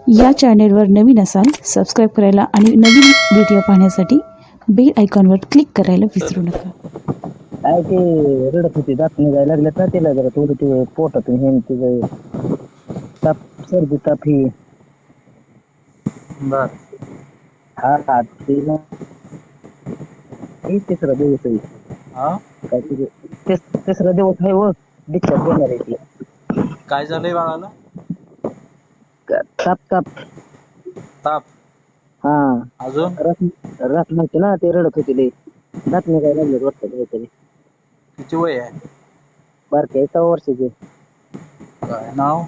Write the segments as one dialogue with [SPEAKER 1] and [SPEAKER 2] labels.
[SPEAKER 1] या चॅनेलवर नवीन असाल सबस्क्राईब करायला आणि नवीन व्हिडिओ पाहण्यासाठी बेल आयकॉनवर क्लिक करायला विसरू नका.
[SPEAKER 2] काय ते रडत होती, दात निघायला लागल्यात ना तिला, जरा थोडं ते पोटातून हे तिचं ताप, सर्दी ताप ही.
[SPEAKER 3] बर.
[SPEAKER 2] हा तिला हे तिसरा दिवस आहे.
[SPEAKER 3] हा
[SPEAKER 2] काहीतरी तिसरा दिवस आहे व डिस्चार्ज देणार आहे ती.
[SPEAKER 3] काय झालंय बाळाला?
[SPEAKER 2] ताप ताप.
[SPEAKER 3] ताप.
[SPEAKER 2] हा
[SPEAKER 3] अजून
[SPEAKER 2] रात नव्हती ना, ते रडत होती लई, दात निघायला लागलेत वाटतं काहीतरी.
[SPEAKER 3] किती वय आहे?
[SPEAKER 2] बारकी आहे 6 वर्षाची.
[SPEAKER 3] काय नाव?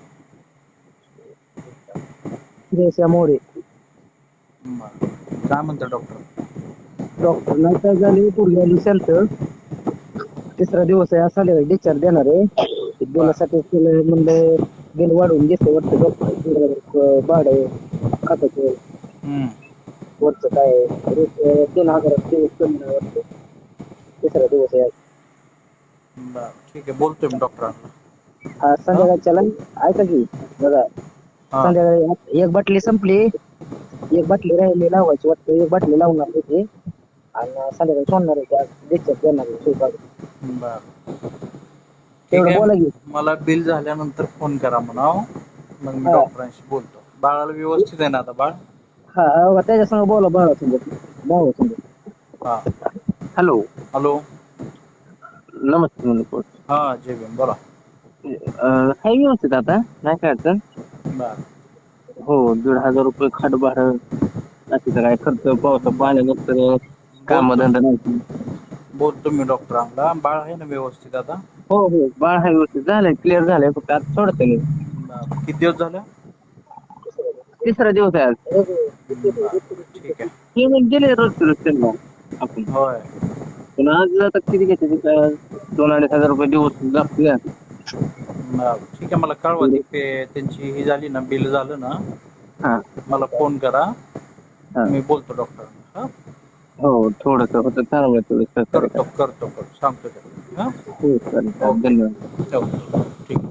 [SPEAKER 2] श्रेयशा मोरे.
[SPEAKER 3] बर. काय म्हणतो डॉक्टर?
[SPEAKER 2] डॉक्टर नाही काय झाले, पूर्वी आली शांत. तिसरा दिवस आहे, असा डिस्चार्ज देणार आहे.
[SPEAKER 3] बर.
[SPEAKER 2] बिलासाठी म्हणलं बिल वाढवून घेते वाटतं डॉक्टर. भाडं खात्याचं
[SPEAKER 3] हम्म.
[SPEAKER 2] वरचं काय रोज 3,000 दिवस कमी नाही वाटतं. तिसरा दिवस आहे आज.
[SPEAKER 3] बर ठीक आहे, बोलतोय मी डॉक्टरांना.
[SPEAKER 2] हा
[SPEAKER 3] हा
[SPEAKER 2] संध्याकाळच्याला ऐका की बघा,
[SPEAKER 3] हा
[SPEAKER 2] संध्याकाळी एक बाटली संपली, एक बाटली राहिली लावायची वाटतं, एक बाटली लावणार होती आणि संध्याकाळी सोडणार होती. आज डिस्चार्ज देणार आहे सुई काढून.
[SPEAKER 3] बर ठीक
[SPEAKER 2] तेवढं
[SPEAKER 3] आहे.
[SPEAKER 2] बोला की.
[SPEAKER 3] मला बिल झाल्यानंतर फोन करा म्हणाव, मग मी
[SPEAKER 2] हा
[SPEAKER 3] डॉक्टरांशी बोलतो. बाळाला व्यवस्थित आहे ना आता बाळ?
[SPEAKER 2] हा हा, त्याच्या संग बोला, भावा संग.
[SPEAKER 3] हा.
[SPEAKER 2] हॅलो.
[SPEAKER 3] हॅलो.
[SPEAKER 2] नमस्ते मनोज.
[SPEAKER 3] हा जय भीम, बोला.
[SPEAKER 2] हाय व्यवस्थित आता, नाही काय अडचण.
[SPEAKER 3] बर.
[SPEAKER 2] हो, 1,500 रुपये खाट भाडं, बाकीचा काय खर्च, पावसा पाणी नसतं,
[SPEAKER 3] बोलतो
[SPEAKER 2] कामधंदा नाही.
[SPEAKER 3] बोलतो मी डॉक्टरांना. बाळ आहे ना व्यवस्थित आता?
[SPEAKER 2] हो हो, बाळ हाय व्यवस्थित, झालंय क्लिअर झालंय, फक्त आता सोडतं नाही.
[SPEAKER 3] किती दिवस झालं?
[SPEAKER 2] तिसरा दिवस आहे आज.
[SPEAKER 3] बर ठीक आहे.
[SPEAKER 2] पेमेंट दिले रोज त्यांना आपण,
[SPEAKER 3] होय.
[SPEAKER 2] पण आज आता किती घेते, 2,500 रुपये दिवस लागतो.
[SPEAKER 3] ठीक आहे, मला कळवा ती त्यांची ही झाली ना, बिल झालं ना,
[SPEAKER 2] हा
[SPEAKER 3] मला फोन करा,
[SPEAKER 2] हा.
[SPEAKER 3] मी बोलतो डॉक्टरांना. हा
[SPEAKER 2] हो, थोडंसं होतं चांगलं, थोडं सहकार्य
[SPEAKER 3] करतो
[SPEAKER 2] करा.
[SPEAKER 3] करतो करतो सांगतो त्याला. हां
[SPEAKER 2] हो चालेल चालेल,
[SPEAKER 3] ओके,
[SPEAKER 2] धन्यवाद.
[SPEAKER 3] ठेवतो. ठीक.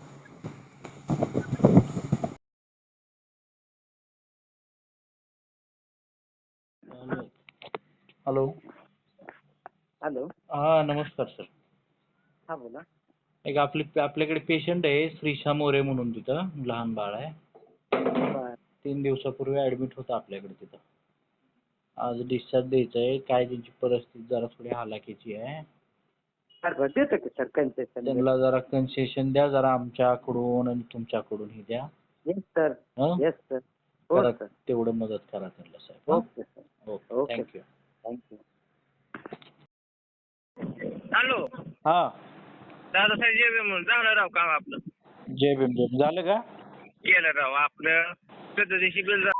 [SPEAKER 3] हॅलो.
[SPEAKER 2] हॅलो.
[SPEAKER 3] हा नमस्कार सर.
[SPEAKER 2] हा बोला.
[SPEAKER 3] एक आपल्याकडे पेशंट आहे श्रीशा मोरे म्हणून, तिथं लहान बाळ आहे.
[SPEAKER 2] बर
[SPEAKER 3] 3 दिवसापूर्वी ऍडमिट होता आपल्याकडे तिथं. आज डिस्चार्ज द्यायचा आहे. काय त्यांची परिस्थिती जरा थोडी हालाकीची आहे.
[SPEAKER 2] देतो की सर कन्सेशन.
[SPEAKER 3] त्यांना जरा कन्सेशन द्या, जरा आमच्याकडून आणि तुमच्याकडून ही द्या.
[SPEAKER 2] Yes sir.
[SPEAKER 3] हं?
[SPEAKER 2] Yes sir. हो
[SPEAKER 3] करा,
[SPEAKER 2] सर.
[SPEAKER 3] तेवढं मदत करा त्यांना साहेब.
[SPEAKER 2] Okay sir.
[SPEAKER 3] Okay,
[SPEAKER 2] okay
[SPEAKER 3] thank you.
[SPEAKER 2] Thank you.
[SPEAKER 4] Hello,
[SPEAKER 3] हा
[SPEAKER 4] दादासाहेब जेबे म्हणून झालं राव काम आपलं.
[SPEAKER 3] जय भीम जय भीम. झालं का?
[SPEAKER 4] केलं राव आपलं 14 दिवशी बिल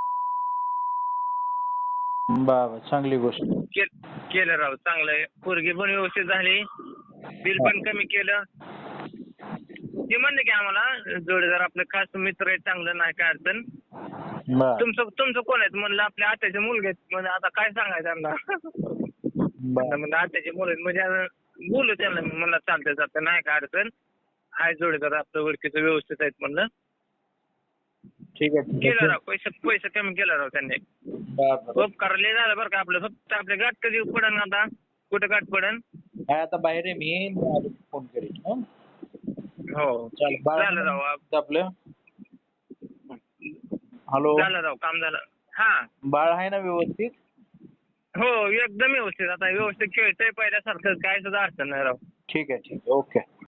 [SPEAKER 3] बाबा चांगली गोष्ट.
[SPEAKER 4] केलं राव, चांगलं आहे. पोरगी पण व्यवस्थित झाली, बिल पण कमी केलं. ते म्हणले की आम्हाला जोडीदार आपलं खास मित्र आहे, चांगलं नाही काय अडचण.
[SPEAKER 3] बर
[SPEAKER 4] तुमचं कोण आहेत म्हणलं, आपल्या आत्याचे मुलगे आहेत. म्हणजे आता काय सांगायचं त्यांना.
[SPEAKER 3] बर
[SPEAKER 4] म्हणजे आत्याचे मुलं आहेत, म्हणजे बोलू त्यांना. म्हणलं चालतंय चालतंय, नाही काय अडचण. हाय जोडीदार आपलं ओळखीचं व्यवस्थित आहेत म्हणलं.
[SPEAKER 3] ठीक आहे.
[SPEAKER 4] केलं राव, पैसे कमी केलं राव त्यांनी. खूप करले झालं बरं का आपलं. फक्त आपल्या गाठ कधी पडन आता, कुठं गाठ पडन.
[SPEAKER 3] आता बाहेर आहे मी फोन करेन. हं?
[SPEAKER 4] हो झालं राव.
[SPEAKER 3] आपलं हॅलो,
[SPEAKER 4] झालं राव, काम झालं. हा
[SPEAKER 3] बाळ आहे ना व्यवस्थित?
[SPEAKER 4] हो एकदम व्यवस्थित. आता व्यवस्थित खेळतंय पहिल्यासारखं, काय सुद्धा अडचण नाही राव.
[SPEAKER 3] ठीक आहे ठीक आहे. ओके.